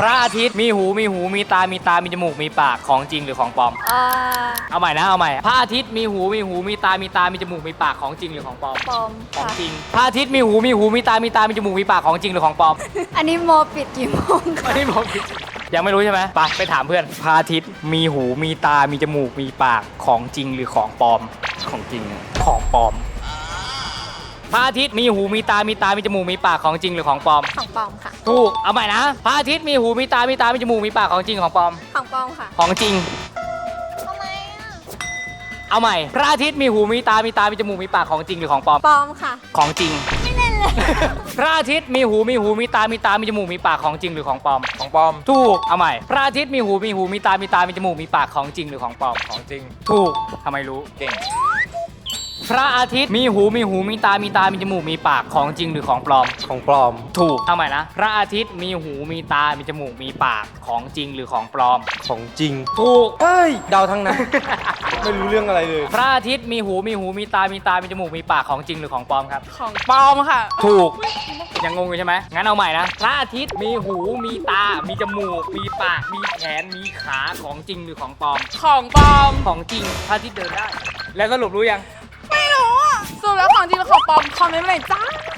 ระอาทิตย์มีหูมีตามีจมูกมีปากของจริงหรือของปลอมเอาใหม่นะเอาใหม่พระอาทิตย์มีหูมีตามีจมูกมีปากของจริงหรือของปลอมปลอมของค่ะจริงพระอาทิตย์มีหูมีตามีจมูกมีปากของจริงหรือของปลอมอันนี้โมปิดกี่โมงอัคะนนี้ผมผิดยังไม่รู้ใช่ไหมไปถามเพื่อนพระอาทิตย์มีหูมีตามีจมูกมีปากของจริงหรือของปลอมของจริงของปลอมพระอาทิตย์มีหูมีตามีจมูกมีปากของจริงหรือของปลอมของปลอมค่ะถูกเอาใหม่นะพระอาทิตย์มีหูมีตามีจมูกมีปากของจริงของปลอมของปลอมค่ะของจริงทำไมอ่ะเอาใหม่พระอาทิตย์มีหูมีตามีจมูกมีปากของจริงหรือของปลอมปลอมค่ะของจริงไม่เล่นเลยพระอาทิตย์มีหูมีตามีจมูกมีปากของจริงหรือของปลอมของปลอมถูกเอาใหม่พระอาทิตย์มีหูมีตามีจมูกมีปากของจริงหรือของปลอมของจริงถูกทำไมรู้เก่งพระอาทิตย์มีหูมีตามีจมูกมีปากของจริงหรือของปลอมของปลอมถูกเอาใหม่นะพระอาทิตย์มีหูมีตามีจมูกมีปากของจริงหรือของปลอมของจริงถูกเฮ้ยเดาทั้งนั้น ไม่รู้เรื่องอะไรเลยพระอาทิตย์มีหูมีตามีจมูกมีปากของจริงหรือของปลอมครับของปลอมค่ะถูกยังงงอยู่ใช่ไหมงั้นเอาใหม่นะพระอาทิตย์มีหูมีตามีจมูกมีปากมีแขนมีขาของจริงหรือของปลอมของปลอมของจริงพระอาทิตย์เดินได้ แล้วสรุปรู้ยังไม่รู้อ่ะสรุปแล้วของจริงหรือของปลอมคอมเมนต์มาหน่อยจ้า